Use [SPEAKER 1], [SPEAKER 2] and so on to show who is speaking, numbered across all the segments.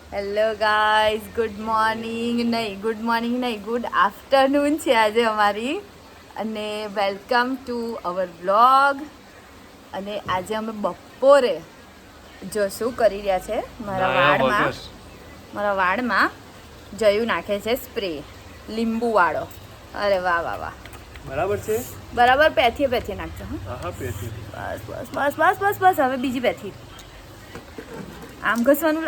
[SPEAKER 1] Hello guys, good morning good afternoon છે આજે અમારી. અને વેલકમ ટુ અવર વ્લોગ. અને આજે અમે બપોરે જો શું કરી રહ્યા છે, મારા વાળમાં જયું નાખે છે સ્પ્રે લીંબુ વાળો. અરે વાહ વાહ વાહ, બરાબર પેથી નાખજો. બસ હવે બીજી પેથી આમ ઘસવાનું.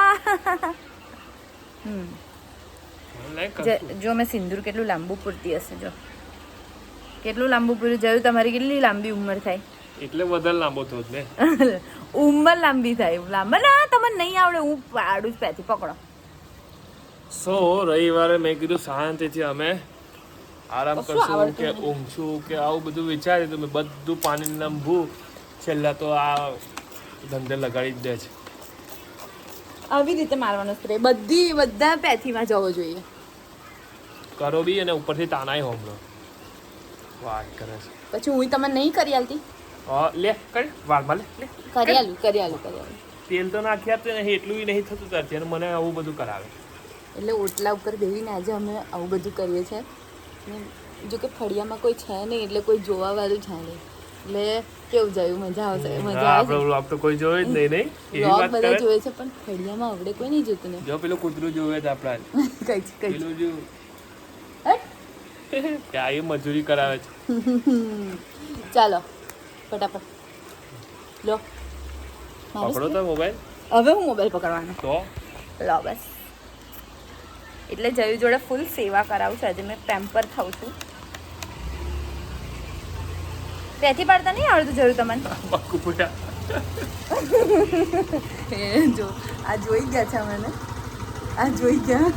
[SPEAKER 1] જો મેં સિંદૂર કેટલું લાંબુ પૂરતી હશે, જો કેટલું લાંબુ પૂર્યું. જોયું તમારી કેટલી લાંબી ઉંમર થાય
[SPEAKER 2] એટલે વધારે લાંબો થયો ને.
[SPEAKER 1] ઉંમર લાંબી થાય, લાંબા ના તમને નહીં આવડે. હું પાડું જ પેથી પકડો.
[SPEAKER 2] સો રવિવારે મેં કીધું શાંતિથી અમે આરામ કરશું કે ઊંઘશું કે આવું બધું વિચાર્યું તો મેં બધું પાણી નંભું. છેલ્લા તો આ ધંધે લગાડી જ દે છે.
[SPEAKER 1] આવી રીતે મારવાનો સ્પ્રે બધા પેથીમાં જવો જોઈએ.
[SPEAKER 2] કરો બી અને ઉપરથી તાનાય હોમલો વાત કરે છે.
[SPEAKER 1] પછી હું તમને નહીં કરી આલતી.
[SPEAKER 2] લે કર વાળમાં લે
[SPEAKER 1] કરી આલું.
[SPEAKER 2] તેલ તો નાખી આપते નહીં, એટલું નહીં થતું ત્યારથી અને મને આવું બધું કરાવે.
[SPEAKER 1] એટલે ઓટલા ઉપર બેસીને આજે અમે આવું બધું કરીએ છીએ. જો કે ફળિયામાં કોઈ છે નહીં, એટલે કોઈ જોવા વાળું છે નહીં. એટલે કેવું જાય, મજા આવશે.
[SPEAKER 2] આપણે તો કોઈ જોવે જ નહીં.
[SPEAKER 1] વ્લોગ બધા જોવે છે પણ ફળિયામાં આવડે કોઈ નહીં જોતું ને.
[SPEAKER 2] જો પેલું કૂતરું જોવે તો આપણા પેલું જો ત્યાં એ મજૂરી કરાવે છે.
[SPEAKER 1] ચાલો ફટાફટ લો
[SPEAKER 2] પકડો તો મોબાઈલ.
[SPEAKER 1] હવે હું મોબાઈલ પકડવાનો
[SPEAKER 2] તો
[SPEAKER 1] લો બસ. એટલે જયું જોડે ફૂલ સેવા કરાવું છું આજે. મેં પેમ્પર થાઉં છું. પેથી પાડતા નહીં આવડતું જરૂર તમને. જો આ જોઈ ગયા છે મને, આ જોઈ ગયા.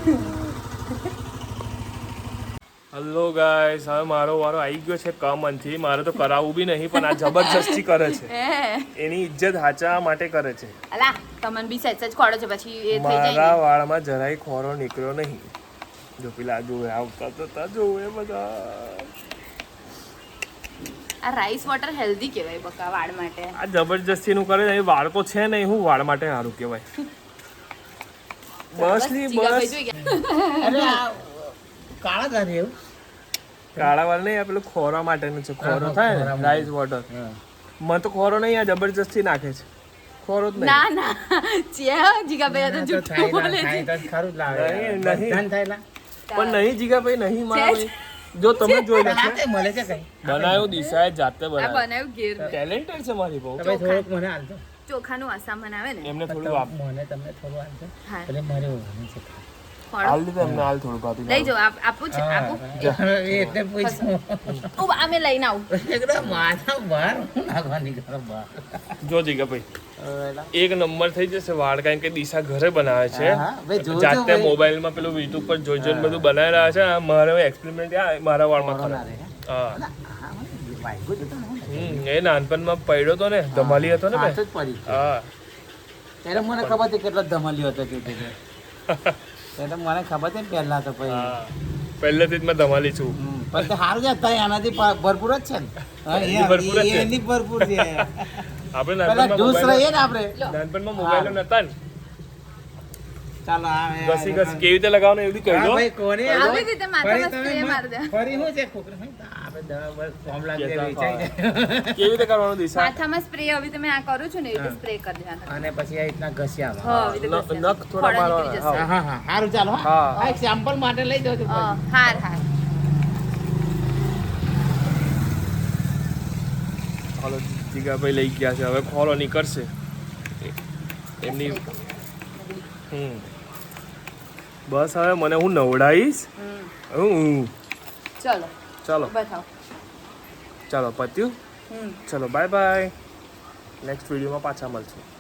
[SPEAKER 2] હેલો ગાઈસ, હવે મારો વારો આવી ગયો છે કમનથી. મારે તો કરાવવું બી નહીં પણ આ જબરજસ્તી કરે છે. એની ઇજ્જત હાચા માટે કરે છે.
[SPEAKER 1] અલા તમને બી સહેજ ખોડો છે પછી એ થઈ જાય.
[SPEAKER 2] મારા વાળમાં જરાય ખોરો નીકળ્યો નહીં. જો પેલા જોવે આવતા તો જોવે બધા.
[SPEAKER 1] આ રાઈસ વોટર હેલ્ધી કહેવાય બકા વાળ માટે.
[SPEAKER 2] આ જબરજસ્તીનું કરે છે. વાળ તો છે નહીં, હું વાળ માટે સારું કહેવાય. બસ
[SPEAKER 3] કાળા કરે એવું.
[SPEAKER 2] કાળા વાળ નહીં, આ પેલું ખોરા માટેનું છે. ખોરો થાય ને રાઈસ વોટર. મને તો ખોરો નહીં, આ જબરજસ્તી નાખે છે. ખોરો જ નહીં.
[SPEAKER 1] ના જીગાભાઈ તો જૂઠું બોલે છે.
[SPEAKER 3] ખરું જ લાવે
[SPEAKER 2] નહીં
[SPEAKER 3] થયેલા
[SPEAKER 2] પણ નહીં જીગાભાઈ નહીં મારા. જો તમે જોઈ લો
[SPEAKER 3] મળે છે કઈ
[SPEAKER 2] બનાવ્યું દિશાએ જાતે
[SPEAKER 1] બનાવ્યું ઘેર.
[SPEAKER 2] ટેલેન્ટેડ છે મારી બહુ.
[SPEAKER 3] થોડુંક મને આલજો.
[SPEAKER 1] ચોખાનું આસામન આવે ને
[SPEAKER 2] એમને થોડું આપ.
[SPEAKER 3] મને તમને થોડું આલજો. એટલે મારે ઓળખવાનું છે.
[SPEAKER 2] હાલ દીધું એમને હાલ થોડું ભાભી.
[SPEAKER 1] લઈ જાઓ. આપું છે આપું.
[SPEAKER 3] એટલે પૂછું
[SPEAKER 1] અમે લઈને આવું.
[SPEAKER 3] એકદમ માથા બહાર નાખવાની કરો બહાર.
[SPEAKER 2] જો જીગાભાઈ એક નંબર થઈ જશે વાળ, કારણ કે દિશા ઘરે બનાવે છે જાતે. મોબાઈલમાં પેલું યુટ્યુબ પર જોઈને બધું બનાવી રહ્યા છે. મારે એક્સપેરિમેન્ટ મારા વાળમાં કરે. હા એ નાનપણમાં પડ્યો હતો ને, ધમાલી હતો ને. હા
[SPEAKER 3] ત્યારે મને ખબર હતી કેટલો ધમાલી હતો કે ત્યારે મને ખબર હતી ને પહેલા તો
[SPEAKER 2] પહેલેથી જ મેં ધમાલી છું.
[SPEAKER 3] પણ સારું છે અત્યારે આનાથી ભરપૂર જ છે ને. એની ભરપૂર છે.
[SPEAKER 2] આપણે નાનપણમાં મોબાઈલ નતા ને.
[SPEAKER 3] ચાલો
[SPEAKER 2] ઘસી કેવી રીતે લગાવવાનું એવું કહી દો.
[SPEAKER 1] આવી રીતે માથામાં સ્પ્રે મારી દે.
[SPEAKER 3] ફરી હું છે છોકરા આપણે દવા ફોર્મ લાગી
[SPEAKER 2] કેવી રીતે કરવાનું દિશા?
[SPEAKER 1] માથામાં સ્પ્રે હવે તમે આ કરું છું ને એટલે સ્પ્રે કરી દેવાનો.
[SPEAKER 3] અને પછી આ રીતના ઘસ્યા
[SPEAKER 1] હા
[SPEAKER 2] નખ થોડા મારવાના.
[SPEAKER 3] હા સારું ચાલો. હા એક સેમ્પલ માટે લઈ દો.
[SPEAKER 1] હાર
[SPEAKER 2] હાલો જીગાભાઈ લઈ ગયા છે. હવે ખોલો નીકળશે એમની. બસ હવે મને હું નવડાવીશ. ચાલો
[SPEAKER 1] બતાવો.
[SPEAKER 2] ચાલો પત્યું. ચલો બાય બાય. નેક્સ્ટ વિડીયોમાં પાછા મળશું.